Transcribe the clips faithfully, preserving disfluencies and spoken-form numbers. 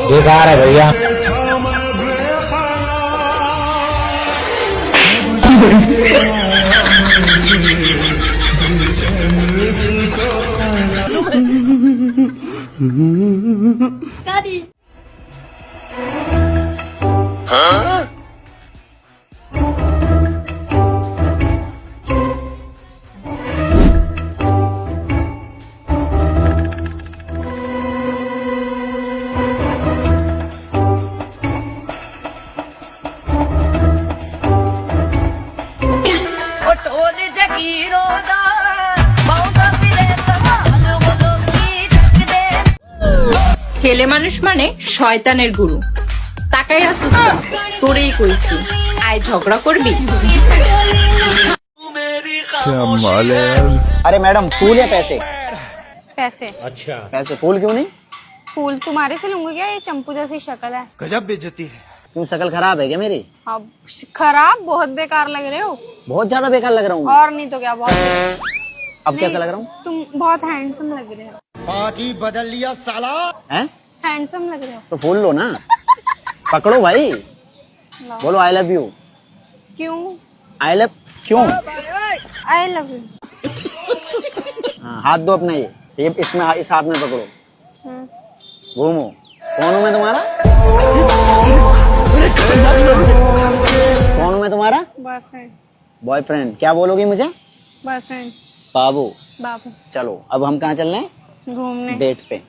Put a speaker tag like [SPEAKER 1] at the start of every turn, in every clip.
[SPEAKER 1] बेकार है भैया।
[SPEAKER 2] Daddy. ছেলে মানুষ মানে শয়তানের গুরু। তাকাই আসুস তোরেই কইছি, আয় ঝগড়া করবি।
[SPEAKER 3] अरे मैडम फूल या पैसे?
[SPEAKER 4] पैसे।
[SPEAKER 3] अच्छा पैसे। फूल क्यों नहीं?
[SPEAKER 4] फूल तुम्हारे से लूंगी क्या? ये चंपू जैसी शक्ल है।
[SPEAKER 3] गजब बेइज्जती है। क्यों शक्ल खराब है क्या मेरी?
[SPEAKER 4] अब खराब, बहुत बेकार लग रहे हो।
[SPEAKER 3] बहुत ज्यादा बेकार लग रहा हूँ।
[SPEAKER 4] और नहीं तो क्या, बहुत
[SPEAKER 3] अब कैसा लग रहा हूँ?
[SPEAKER 4] तुम बहुत हैंडसम लग रहे हो।
[SPEAKER 3] पार्टी बदल लिया साला। हैं?
[SPEAKER 4] हैंडसम लग रहे हो।
[SPEAKER 3] तो फूल लो ना। पकड़ो भाई। बोलो आई लव यू।
[SPEAKER 4] क्यों?
[SPEAKER 3] आई लव क्यों?
[SPEAKER 4] I love you.
[SPEAKER 3] हाँ, हाथ दो अपना। ये ये इसमें इस हाथ में पकड़ो, घूमो। कौन हूँ मैं तुम्हारा? कौन हूँ मैं तुम्हारा?
[SPEAKER 4] बॉयफ्रेंड।
[SPEAKER 3] बॉयफ्रेंड? क्या बोलोगी मुझे?
[SPEAKER 4] बॉयफ्रेंड।
[SPEAKER 3] बाबू।
[SPEAKER 4] बाबू।
[SPEAKER 3] चलो अब हम कहाँ चल रहे हैं?
[SPEAKER 4] घूमने।
[SPEAKER 3] डेट पे।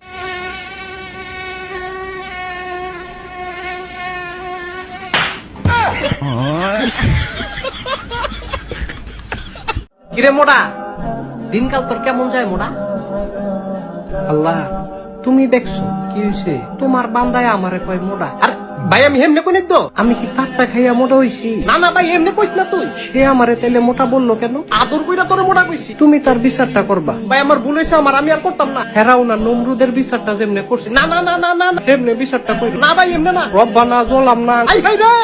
[SPEAKER 5] কিরে মোড়া, দিনকাল তোর কেমন যায় মোড়া? আল্লাহ তুমি দেখছো কি হয়েছে? তোমার বান্দায় আমারে কয় মোড়া। আর ভাই আমি হেমনে কই তো, আমি কি তারটা খাইয়া মোটা হইছি? না না ভাই এমনি কইস না তুই। সে আমারে তাইলে মোটা বললো কেন? আদর কইরা তোরে মোটা কইছি। তুমি তার বিচারটা করবা। ভাই আমার ভুল হইছে, আমার আমি আর করতাম না। হেরাও না নমরুদের বিচারটা যেমনে করছি। না না না না না এমনি বিচারটা কই না ভাই, এমনি না। রব্বানা জলাম না। আই ভাই রে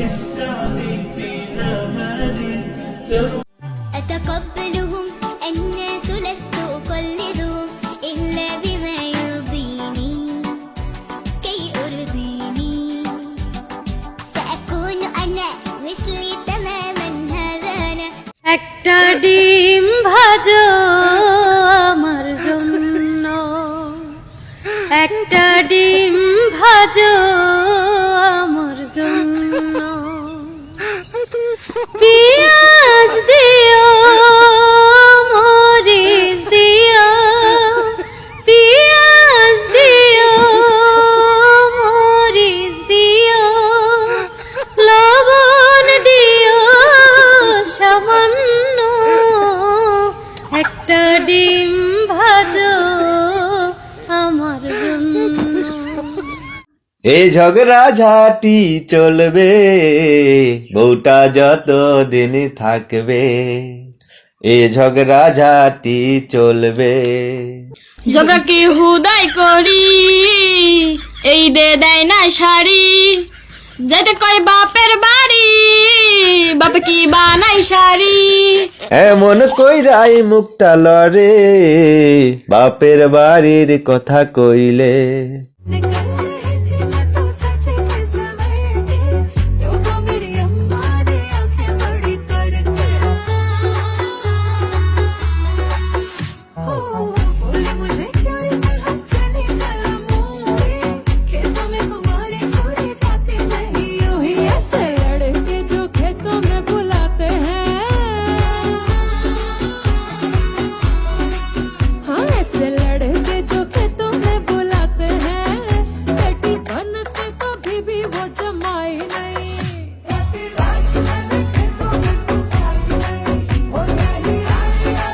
[SPEAKER 6] أتقبلهم الناس لست أقلدهم إلا بما يرضيني كي أرضيني سأكون أنا مثلي تماما هذا أنا
[SPEAKER 2] একটা ডিম ভাজো আমার জন্য, একটা ডিম ভাজো আমার জন্য, পিয়াজ দিও মরিচ দিও, পিয়াজ দিও মরিচ দিও, লবণ দিও সামান্য, একটা ডিম ভাজো আমার জন্য।
[SPEAKER 7] এই ঝগড়া ঝাঁটি চলবে বউটা যত দিন থাকবে, এই ঝগড়া ঝাঁটি চলবে।
[SPEAKER 2] ঝগড়া কি হুদাই করি, এই দে দেয় না শাড়ি, যেতে কয় বাপের বাড়ি, বাপে কি বানাই শাড়ি।
[SPEAKER 7] এমন কইরাই মুখটা লড়ে বাপের বাড়ির কথা কইলে।